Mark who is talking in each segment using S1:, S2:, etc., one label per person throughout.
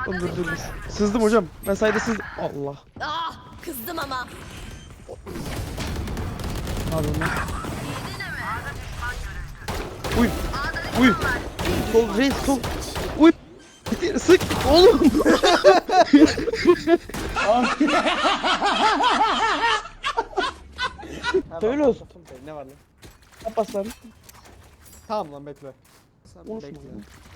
S1: Oğlum dur. Sızdım hocam. Ben sayda sızdım. Allah.
S2: Ah, kızdım ama.
S1: Pardon lan. Uy. Uy. Sol reis sol. Uy. Sık oğlum. Söyle olsun.
S3: Ne var lan?
S1: Yapaslar.
S3: Tamam lan bekle. Sen
S1: Konuşma
S3: bekle.
S1: ya.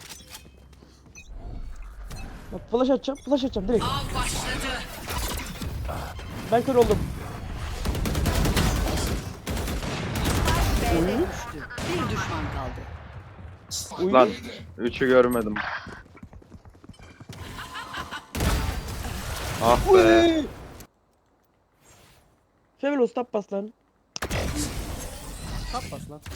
S1: Bak flash atacağım direkt.
S2: Av başladı.
S1: Ben kör oldum.
S2: B'de düştü. Bir düşman kaldı.
S1: Uy.
S4: Lan 3'ü görmedim. Ah be.
S1: Uy. Fevelos tap bas lan.
S3: Tap bas lan.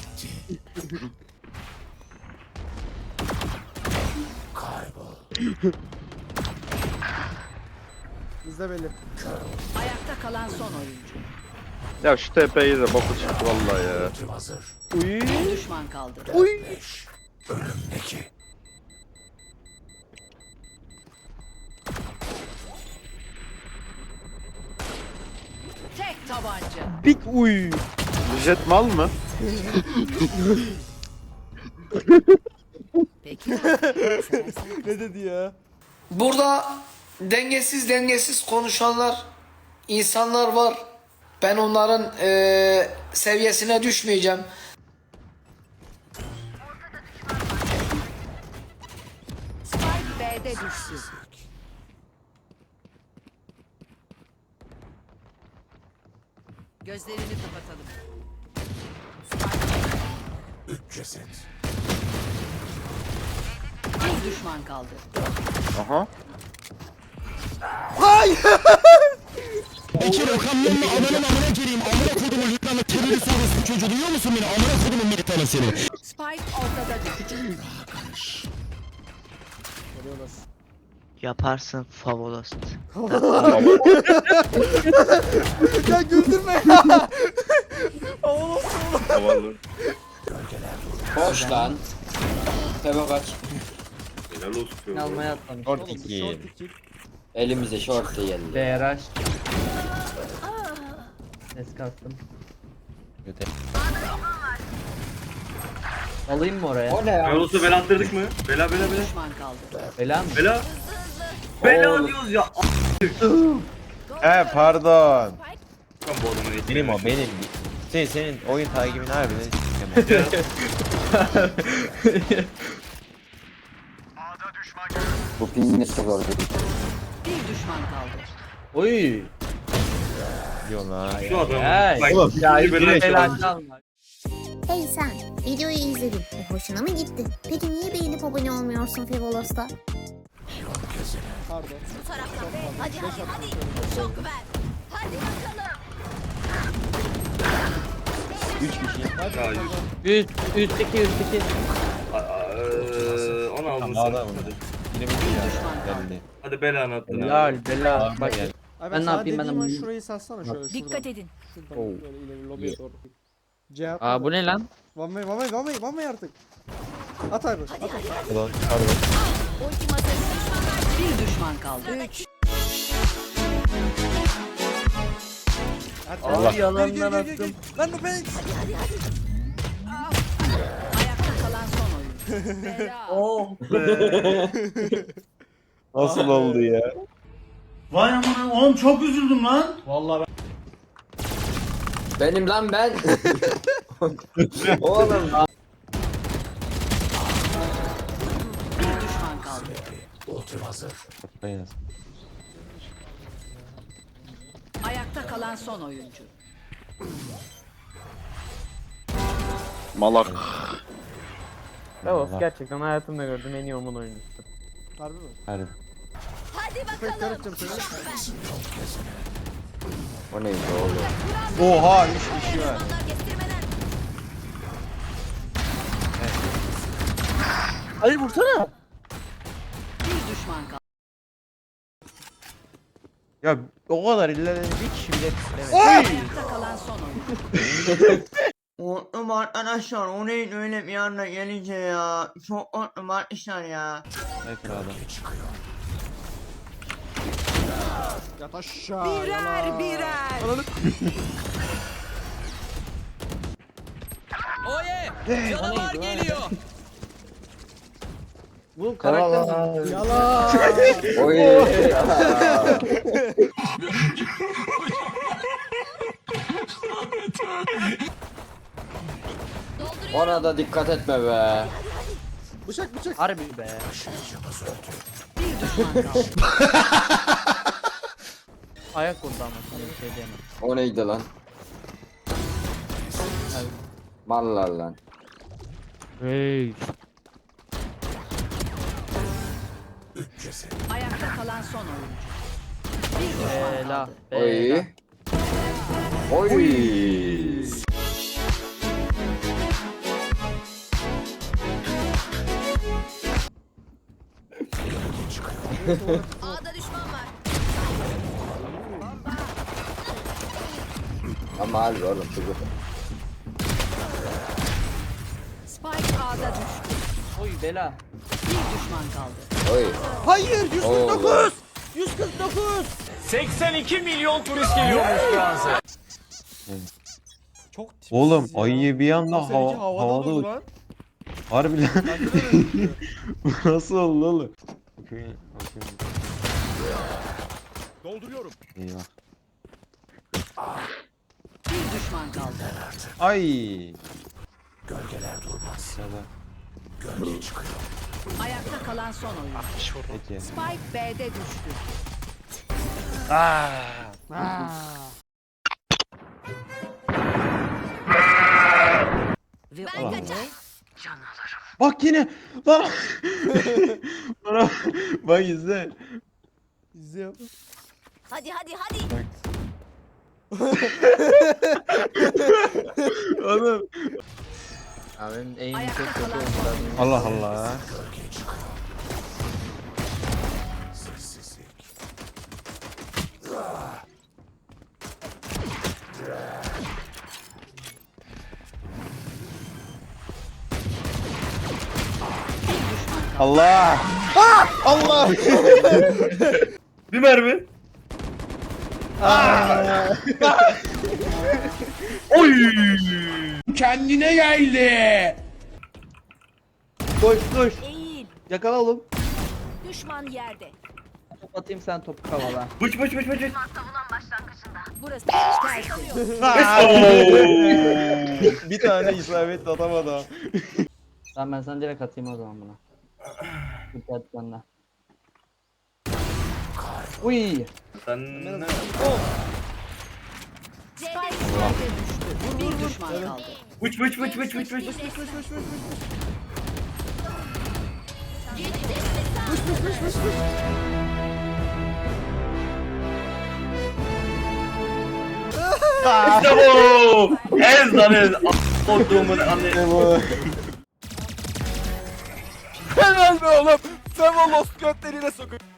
S3: Bizde belli.
S2: Ayakta kalan son oyuncu.
S4: Ya şu TP'yi de boku çıktı vallahi ya.
S1: Uy.
S2: Bir düşman kaldı.
S1: Uy.
S2: Tek tabanca.
S1: Big uy.
S4: Jet mal mı?
S2: Peki.
S3: Ne dedi ya?
S5: Burada dengesiz konuşanlar, insanlar var. Ben onların seviyesine düşmeyeceğim.
S2: Spike B'de düştü. Gözlerini kapatalım. Bir düşman kaldı.
S4: Aha.
S6: Bekir Okan'ın ananın amına gireyim. Amına kodumun lütfen terörist orospu çocuğu duyuyor musun beni? Amına kodumun militanı seni.
S2: Spike ortada düştü.
S7: Yaparsın Favolos.
S3: Ya güldürme ya.
S4: Havalı.
S8: Hoş lan. Tebe kaç.
S4: Helal olsun.
S9: Almaya atlamış.
S6: Short 2.
S8: Elimize short da geldi.
S9: BRH. Ses kattım. Alayım mı oraya?
S8: O ne ya?
S10: Yolsu bela attırdık mı? Bela
S2: Bir düşman kaldı.
S9: Bela mı?
S10: Bela. Bela diyoruz ya.
S6: Pardon.
S10: Ben bu adamı
S6: Benim o benim. Senin oyun takibini harbiden sikemem.
S8: Bu pingini sıkıldı.
S2: Bir düşman kaldı.
S9: Oy.
S6: Diyor lan.
S10: Şu adam.
S9: Hey.
S10: Bak,
S6: Oğlum,
S9: Ya
S10: ikinci bela
S9: bela
S10: çaldı.
S9: çalma.
S11: Hey sen, videoyu izledin ve hoşuna mı gitti? Peki niye beğenip abone olmuyorsun Fevolos'ta?
S3: Pardon.
S2: Bu taraftan. Hadi. Çok ver. Hadi bakalım.
S6: 3 kişi.
S10: Ya, yüz.
S9: Üstteki.
S10: Onu aldın
S6: Tamam
S10: sen.
S6: daha bunu. Yine mi ya? Geldi.
S10: Hadi belanı attın.
S9: Bela. Bak.
S6: Gel.
S3: Ay
S9: Ben ne
S3: sana
S9: yapayım, ben de
S3: dediğim an
S9: bunu-
S3: şurayı satsana şöyle şuradan.
S2: Dikkat edin.
S3: Şuradan
S6: Oh.
S3: böyle ileri lobiye doğru. Cevap.
S9: Aa bu ne lan?
S3: One way artık. At abi. At.
S6: Pardon. Pardon.
S2: Ultim hazır. Bir düşman kaldı. 3.
S3: At.
S9: Allah yalandan
S3: Gel.
S9: attım.
S3: Lan bu ben.
S2: Ayakta kalan son oyuncu. Bela.
S9: Oh.
S6: Nasıl oldu ya?
S10: Vay amına oğlum çok üzüldüm lan.
S8: Benim lan ben. Oğlum.
S2: Bir düşman kaldı.
S6: Aynen.
S2: Ayakta kalan son oyuncu.
S4: Malak.
S9: Favolos gerçekten hayatımda gördüğüm en iyi Omun oyuncusu.
S3: Harbi mi?
S6: Harbi.
S2: Hadi
S3: Pek
S2: bakalım.
S3: karışacağım seni.
S8: O neydi oğlum?
S6: Oha 3 kişi var.
S2: Onlar kestirmeden.
S1: Hayır vursana.
S2: Bir düşman kaldı.
S6: Ya o kadar illa bir kişi bile.
S2: Ayakta kalan son oyuncu.
S7: Mutluyum arkadaşlar. O neyin öyle bir anda gelince ya. Çok mutluyum arkadaşlar ya.
S3: Yat aşağı. Birer birer.
S6: Canavar geliyor.
S9: Bu karakter
S3: Yalan.
S8: Oy. Ona da dikkat etme be.
S3: Bıçak bıçak.
S9: harbi be. Ayak vurdu ama sana bir şey diyemem.
S8: O neydi lan? Mallar lan.
S9: Hey.
S2: Ayakta kalan son oyuncu. Bir düşman
S9: Bela.
S2: kaldı.
S8: Oy. Oy.
S2: A'da düşman var.
S8: Ama harbi oğlum çocuk.
S2: Spike A'da düştü.
S9: Oy bela.
S2: Bir düşman kaldı.
S8: Oy.
S3: Hayır 149.
S8: Oğlum.
S3: 149.
S6: 82 milyon turist geliyormuş Fransa.
S3: Çok tipsiz
S1: Oğlum
S3: ya.
S1: ayı bir anda
S3: Seninki havada durdu lan.
S1: Harbi lan.
S3: Bence de öyle duruyor.
S1: Nasıl oldu oğlum?
S6: Dolduruyorum.
S1: Eyvah.
S2: Bir düşman kaldı.
S1: Ay. Gölgeler durmaz.
S2: Ayakta kalan son oyuncu.
S1: Peki.
S2: Spike B'de düştü. Ve ben kaçar.
S1: Bak yine. Lan. Bana bak izle.
S3: İzliyorum.
S2: Hadi hadi hadi.
S1: Oğlum.
S9: Abi benim eğim çok
S2: Ayakta
S9: kötü
S2: kalan
S9: olmuş.
S2: son oyuncu.
S1: Allah Allah. Allah. Allah.
S10: Bir mermi. Oy!
S6: Kendine geldi.
S9: Koş koş.
S2: Eğil.
S9: Yakala oğlum.
S2: Düşman yerde.
S9: Top atayım sen topu kavala.
S10: Bıç bıç bıç bıç.
S2: Burası tertemiz.
S1: Bir tane isabet atamadı.
S9: Tamam ben sana direkt atayım o zaman buna. Dikkat benden. Uy.
S10: Sen ne?
S2: Spike B'de düştü. Bir düşman kaldı.
S10: Bıç bıç bıç bıç bıç bıç. İşte bu. Ez lan ez. Olduğumun anne.
S6: Helal be oğlum. Sen o lost götleriyle sokun.